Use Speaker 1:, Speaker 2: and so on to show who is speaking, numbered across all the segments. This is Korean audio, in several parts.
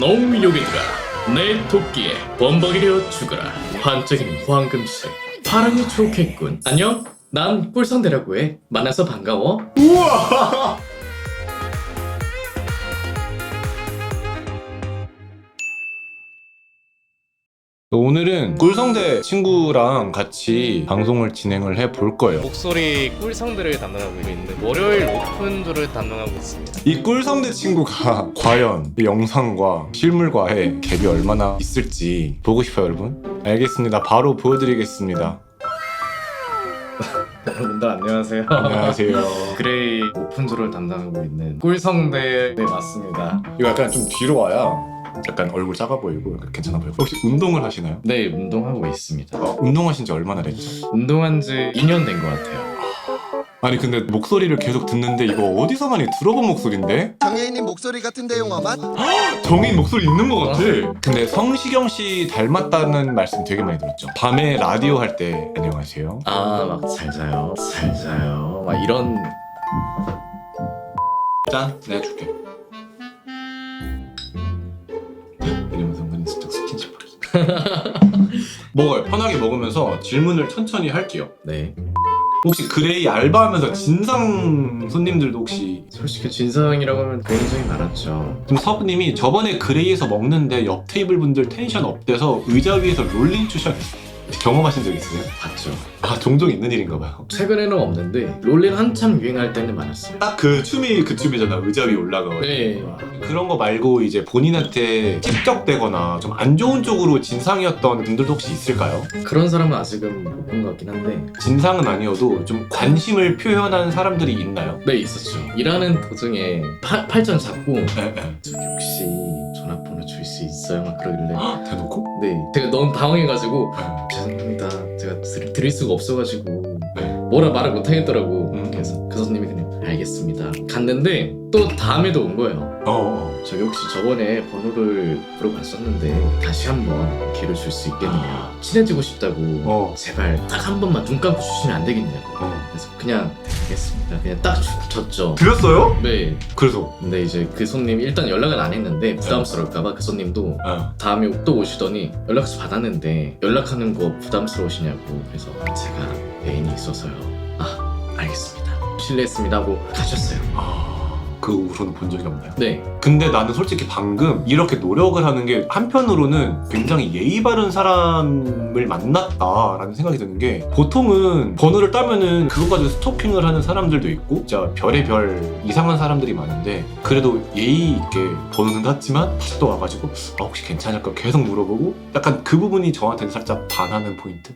Speaker 1: 농요괴들아, 내 도끼에 범벅이려 죽어라. 반짝이는 황금색, 파랑이 좋겠군. 안녕, 난 꿀성대라고 해. 만나서 반가워.
Speaker 2: 우와! 오늘은 꿀성대 친구랑 같이 방송을 진행을 해볼 거예요.
Speaker 1: 목소리 꿀성대를 담당하고 있는 월요일 오픈조를 담당하고 있습니다.
Speaker 2: 이 꿀성대 친구가 과연 이 영상과 실물과의 갭이 얼마나 있을지 보고 싶어요, 여러분. 알겠습니다. 바로 보여드리겠습니다.
Speaker 1: 여러분들 안녕하세요.
Speaker 2: 안녕하세요.
Speaker 1: 그레이 오픈조를 담당하고 있는 꿀성대 맞습니다.
Speaker 2: 이거 약간 좀 뒤로 와야 약간 얼굴 작아 보이고 괜찮아 보이고. 혹시 운동을 하시나요?
Speaker 1: 네, 운동하고 있습니다.
Speaker 2: 운동하신 지 얼마나 됐죠?
Speaker 1: 운동한 지 2년 된 것 같아요.
Speaker 2: 아니 근데 목소리를 계속 듣는데 이거 어디서 많이 들어본 목소리인데?
Speaker 3: 장애인님 목소리 같은데 영화만?
Speaker 2: 정인 목소리 있는 것 같아. 근데 성시경 씨 닮았다는 말씀 되게 많이 들었죠. 밤에 라디오 할 때 안녕하세요.
Speaker 1: 막 잘 자요, 잘 자요. 막 이런.
Speaker 2: 짠, 내가 줄게. 이러면서 은근히 슬쩍 스킨십 하겠습니다. 먹어요. 편하게 먹으면서 질문을 천천히 할게요.
Speaker 1: 네.
Speaker 2: 혹시 그레이 알바하면서 진상 손님들도 혹시
Speaker 1: 솔직히 진상이라고 하면 굉장히 많았죠.
Speaker 2: 지금 서브님이 저번에 그레이에서 먹는데 옆 테이블 분들 텐션 업돼서 의자 위에서 롤링 추션 경험하신 적 있으세요?
Speaker 1: 봤죠.
Speaker 2: 아 종종 있는 일인가 봐요.
Speaker 1: 최근에는 없는데 롤린 한참 유행할 때는 많았어요.
Speaker 2: 딱 그 춤이 그 춤이잖아. 의자 위에 올라가고.
Speaker 1: 네.
Speaker 2: 그런 거 말고 이제 본인한테 찝적대거나 좀 안 좋은 쪽으로 진상이었던 분들도 혹시 있을까요?
Speaker 1: 그런 사람은 아직은 못 본 것 같긴 한데.
Speaker 2: 진상은 아니어도 좀 관심을 표현한 사람들이 있나요?
Speaker 1: 네, 있었죠. 일하는 도중에 팔짱 잡고
Speaker 2: 에.
Speaker 1: 저 혹시 전화번호 줄 수 있어요? 막 그러길래.
Speaker 2: 대놓고?
Speaker 1: 네, 제가 너무 당황해가지고
Speaker 2: 에.
Speaker 1: 죄송합니다. 제가 드릴 수가 없어가지고
Speaker 2: 네.
Speaker 1: 뭐라 말을 못 하겠더라고.
Speaker 2: 음.
Speaker 1: 그래서 그 손님이 그냥 알겠습니다. 갔는데 또 다음에도 온 거예요. 저기 혹시 저번에 번호를 물어봤었는데 다시 한번 기회를 줄 수 있겠느냐. 친해지고 싶다고 제발 딱 한 번만 눈 감고 주시면 안 되겠냐고. 그래서 그냥 알겠습니다. 그냥 딱 줬죠.
Speaker 2: 드렸어요?
Speaker 1: 네.
Speaker 2: 그래서
Speaker 1: 근데 이제 그 손님 일단 연락은 안 했는데 부담스러울까봐 그 손님도 다음에 또 오시더니 연락처 받았는데 연락하는 거 부담스러우시냐고. 그래서 제가 애인이 있어서요. 알겠습니다. 실례했습니다 하고 가셨어요.
Speaker 2: 그 후로는 본 적이 없나요?
Speaker 1: 네.
Speaker 2: 근데 나는 솔직히 방금 이렇게 노력을 하는 게 한편으로는 굉장히 예의 바른 사람을 만났다라는 생각이 드는 게, 보통은 번호를 따면은 그거 가지고 스토킹을 하는 사람들도 있고 진짜 별의 별 이상한 사람들이 많은데, 그래도 예의 있게 번호는 땄지만 다시 또 와가지고 혹시 괜찮을까 계속 물어보고, 약간 그 부분이 저한테는 살짝 반하는 포인트?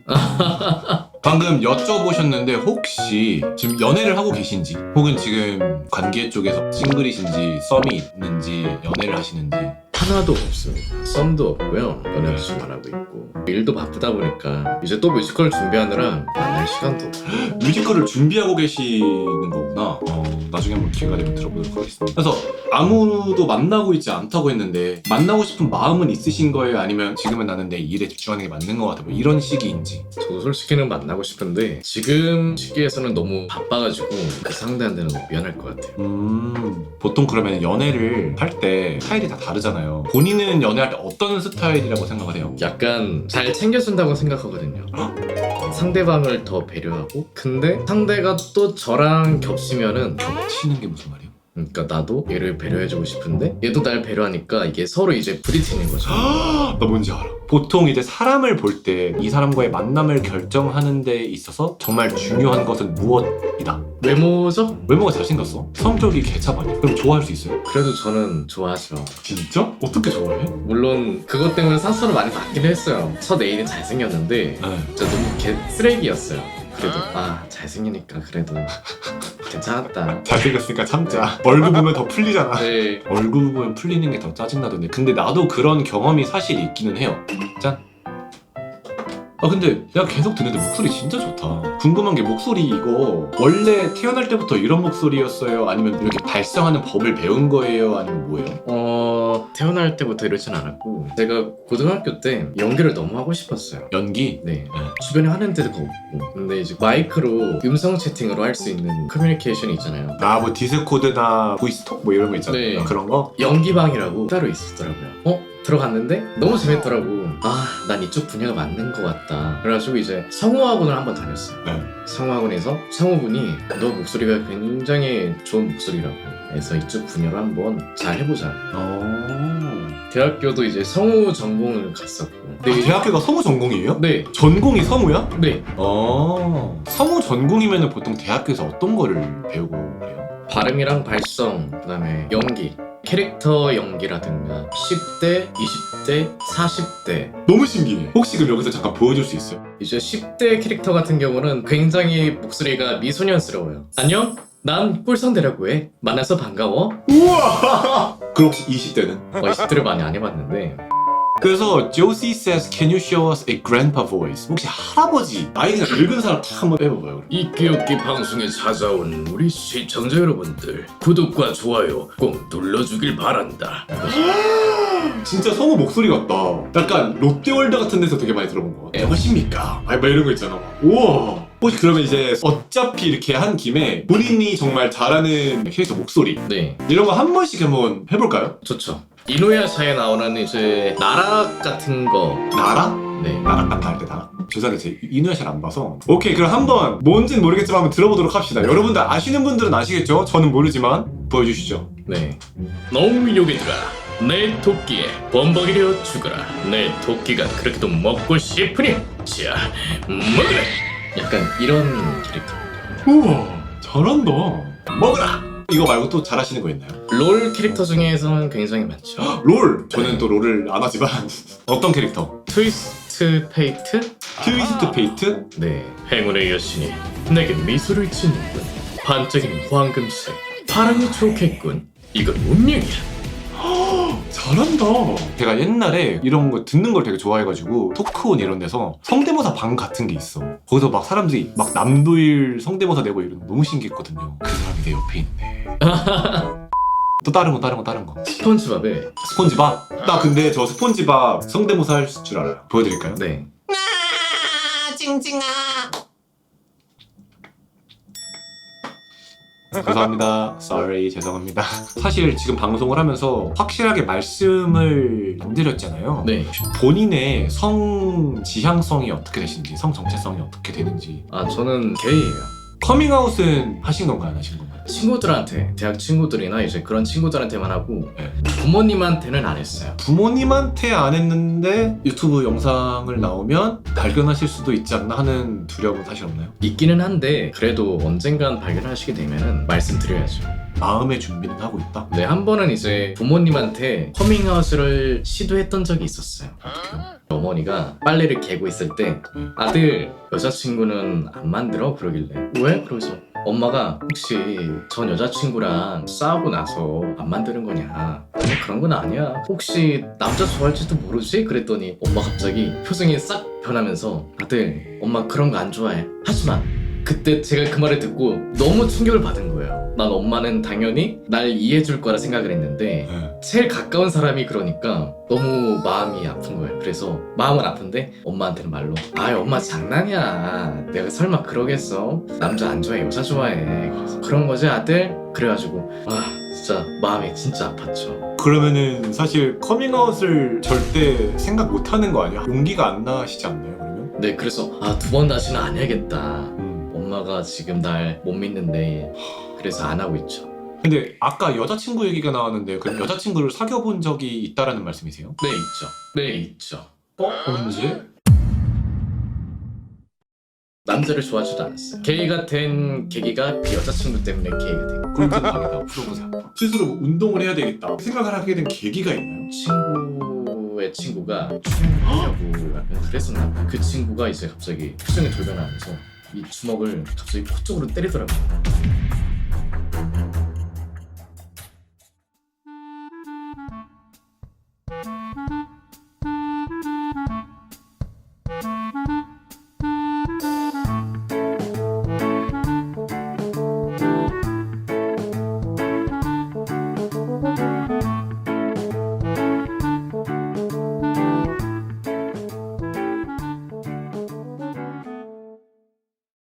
Speaker 2: 방금 여쭤보셨는데 혹시 지금 연애를 하고 계신지, 혹은 지금 관계 쪽에서 싱글이신지 썸이 있는지 연애를 하시는지.
Speaker 1: 하나도 없습니다. 썸도 없고요. 연애도 좀 안 하고 있고 일도 바쁘다 보니까 이제 또 뮤지컬 준비하느라 만날 시간도 없고.
Speaker 2: 뮤지컬을 준비하고 계시는 거구나. 나중에 한번 기회가 되면 들어보도록 하겠습니다. 그래서 아무도 만나고 있지 않다고 했는데 만나고 싶은 마음은 있으신 거예요? 아니면 지금은 나는 내 일에 집중하는 게 맞는 것 같아, 뭐 이런 시기인지.
Speaker 1: 저도 솔직히는 만나고 싶은데 지금 시기에서는 너무 바빠가지고 그 상대한테는 너무 미안할 것 같아요.
Speaker 2: 보통 그러면 연애를 할 때 스타일이 다 다르잖아요. 본인은 연애할 때 어떤 스타일이라고 생각을 해요?
Speaker 1: 약간 잘 챙겨준다고 생각하거든요. 상대방을 더 배려하고, 근데 상대가 또 저랑 겹치면은
Speaker 2: 치는 게 무슨 말이에요?
Speaker 1: 그러니까 나도 얘를 배려해주고 싶은데 얘도 날 배려하니까 이게 서로 이제 부딪히는 거죠.
Speaker 2: 나 뭔지 알아. 보통 이제 사람을 볼 때 이 사람과의 만남을 결정하는 데 있어서 정말 중요한 것은 무엇이다.
Speaker 1: 외모죠?
Speaker 2: 외모가 잘생겼어. 성격이 개참 아니야. 그럼 좋아할 수 있어요?
Speaker 1: 그래도 저는 좋아하죠.
Speaker 2: 진짜? 어떻게 좋아해?
Speaker 1: 물론 그것 때문에 상처를 많이 받긴 했어요. 첫 애인은 잘생겼는데
Speaker 2: 네.
Speaker 1: 진짜 너무 쓰레기였어요. 그래도 잘생기니까 그래도 괜찮았다.
Speaker 2: 잘생겼으니까 참자. 얼굴 보면 더 풀리잖아.
Speaker 1: 네.
Speaker 2: 얼굴 보면 풀리는 게 더 짜증나던데. 근데 나도 그런 경험이 사실 있기는 해요. 짠. 근데 내가 계속 듣는데 목소리 진짜 좋다. 궁금한 게 목소리 이거 원래 태어날 때부터 이런 목소리였어요? 아니면 이렇게 발성하는 법을 배운 거예요? 아니면 뭐예요?
Speaker 1: 태어날 때부터 이러진 않았고 제가 고등학교 때 연기를 너무 하고 싶었어요.
Speaker 2: 연기?
Speaker 1: 네. 주변에 하는 데가 없고 근데 이제 마이크로 음성 채팅으로 할 수 있는 커뮤니케이션이 있잖아요.
Speaker 2: 뭐 디스코드나 보이스톡 뭐 이런 거 있잖아요.
Speaker 1: 네.
Speaker 2: 그런 거?
Speaker 1: 연기방이라고 따로 있었더라고요. 들어갔는데 너무 재밌더라고. 난 이쪽 분야가 맞는 것 같다. 그래가지고 이제 성우학원을 한번 다녔어요.
Speaker 2: 네.
Speaker 1: 성우학원에서 성우분이 너 목소리가 굉장히 좋은 목소리라고 해서 이쪽 분야로 한번 잘 해보자. 대학교도 이제 성우 전공을 갔었고.
Speaker 2: 대학교가 성우 전공이에요?
Speaker 1: 네.
Speaker 2: 전공이 성우야?
Speaker 1: 네.
Speaker 2: 성우 전공이면 보통 대학교에서 어떤 거를 배우고 그래요?
Speaker 1: 발음이랑 발성, 그다음에 연기. 캐릭터 연기라든가 10대, 20대, 40대.
Speaker 2: 너무 신기해. 혹시 그럼 여기서 잠깐 보여줄 수 있어요?
Speaker 1: 이제 10대 캐릭터 같은 경우는 굉장히 목소리가 미소년스러워요. 안녕? 난 꿀성대라고 해. 만나서 반가워.
Speaker 2: 우와! 그럼 혹시 20대는?
Speaker 1: 20대를 많이 안 해봤는데.
Speaker 2: 그래서 Josie says, can you show us a grandpa voice? 혹시 할아버지, 나이가 늙은 사람 다 한번 해봐봐요.
Speaker 1: 이끼없기 방송에 찾아온 우리 시청자 여러분들, 구독과 좋아요 꼭 눌러주길 바란다.
Speaker 2: 진짜 성우 목소리 같다. 약간 롯데월드 같은 데서 되게 많이 들어본 것 같아. 안녕하십니까? 막 이런 거 있잖아. 우와. 혹시 그러면 이제 어차피 이렇게 한 김에 본인이 정말 잘하는 캐릭터 목소리
Speaker 1: 네,
Speaker 2: 이런 거 한 번씩 한번 해볼까요?
Speaker 1: 좋죠. 이노야샤에 나오는 이제 나락 같은 거.
Speaker 2: 나라?
Speaker 1: 네.
Speaker 2: 나락 같다 할 때 나락? 죄송한데 제가 이누야샤를 안 봐서. 오케이, 그럼 한번 뭔진 모르겠지만 한번 들어보도록 합시다. 여러분들 아시는 분들은 아시겠죠? 저는 모르지만 보여주시죠.
Speaker 1: 네. 농민족이들아, 내 토끼에 범벅이려 죽어라. 내 토끼가 그렇게도 먹고 싶으니 자, 먹으라. 약간 이런 캐릭터.
Speaker 2: 우와, 잘한다. 먹으라! 이거 말고 또 잘하시는 거 있나요?
Speaker 1: 롤 캐릭터 중에서는 굉장히 많죠.
Speaker 2: 롤! 저는 또 롤을 안 하지만 어떤 캐릭터?
Speaker 1: 트위스트 페이트?
Speaker 2: 트위스트 페이트?
Speaker 1: 네. 행운의 여신이 내게 미소를 짓는군. 반짝이는 황금색. 파랑이 좋겠군. 이건 운명이야.
Speaker 2: 잘한다. 제가 옛날에 이런 거 듣는 걸 되게 좋아해가지고 토크온 이런 데서 성대모사 방 같은 게 있어. 거기서 막 사람들이 막 남도일 성대모사 내고 이런 거 너무 신기했거든요. 그 사람이 내 옆에 있네. 또 다른 거.
Speaker 1: 스폰지밥에.
Speaker 2: 스폰지밥? 나 근데 저 스폰지밥 성대모사 할 줄 알아요. 보여드릴까요?
Speaker 1: 네.
Speaker 4: 징징아.
Speaker 2: 죄송합니다. Sorry, 죄송합니다. 사실 지금 방송을 하면서 확실하게 말씀을 안 드렸잖아요.
Speaker 1: 네.
Speaker 2: 본인의 성 지향성이 어떻게 되시는지, 성 정체성이 어떻게 되는지.
Speaker 1: 저는 게이예요.
Speaker 2: 커밍아웃은 하신 건가요, 안 하신 건가요?
Speaker 1: 친구들한테, 대학 친구들이나 이제 그런 친구들한테만 하고
Speaker 2: 네.
Speaker 1: 부모님한테는 안 했어요.
Speaker 2: 부모님한테 안 했는데 유튜브 영상을 나오면 발견하실 수도 있지 않나 하는 두려움은 사실 없나요?
Speaker 1: 있기는 한데 그래도 언젠간 발견하시게 되면은 말씀드려야죠.
Speaker 2: 마음의 준비는 하고 있다?
Speaker 1: 네, 한 번은 이제 부모님한테 커밍아웃을 시도했던 적이 있었어요. 어떡해요? 어머니가 빨래를 개고 있을 때 아들 여자친구는 안 만들어? 그러길래 왜? 그러죠. 엄마가 혹시 전 여자친구랑 싸우고 나서 안 만드는 거냐? 아니 그런 건 아니야. 혹시 남자 좋아할지도 모르지? 그랬더니 엄마 갑자기 표정이 싹 변하면서 아들 엄마 그런 거 안 좋아해. 하지마. 그때 제가 그 말을 듣고 너무 충격을 받은 거예요. 난 엄마는 당연히 날 이해해줄 거라 생각을 했는데 제일 가까운 사람이 그러니까 너무 마음이 아픈 거예요. 그래서 마음은 아픈데 엄마한테는 말로 엄마 장난이야. 내가 설마 그러겠어? 남자 안 좋아해 여자 좋아해. 그래서 그런 거지 아들? 그래가지고 진짜 마음이 진짜 아팠죠.
Speaker 2: 그러면은 사실 커밍아웃을 절대 생각 못하는 거 아니야? 용기가 안 나시지 않나요, 그러면?
Speaker 1: 네, 그래서 두 번 다시는 안 해야겠다. 엄마가 지금 날 못 믿는데 그래서 안 하고 있죠.
Speaker 2: 근데 아까 여자친구 얘기가 나왔는데 그럼 여자친구를 사귀어본 적이 있다라는 말씀이세요?
Speaker 1: 네, 있죠. 네, 있죠.
Speaker 2: 언제?
Speaker 1: 남자를 좋아하지도 않았어요. 게이가 된 계기가 그 여자친구 때문에 게이가 된 거예요.
Speaker 2: 그럼 좀 다르다. 풀어보세요. 스스로 운동을 해야 되겠다 생각을 하게 된 계기가 있나요?
Speaker 1: 친구의 친구가 춤하려고 약간 그랬었나 봐요. 그 친구가 이제 갑자기 표정이 돌변하면서 이 주먹을 갑자기 코 쪽으로 때리더라고요.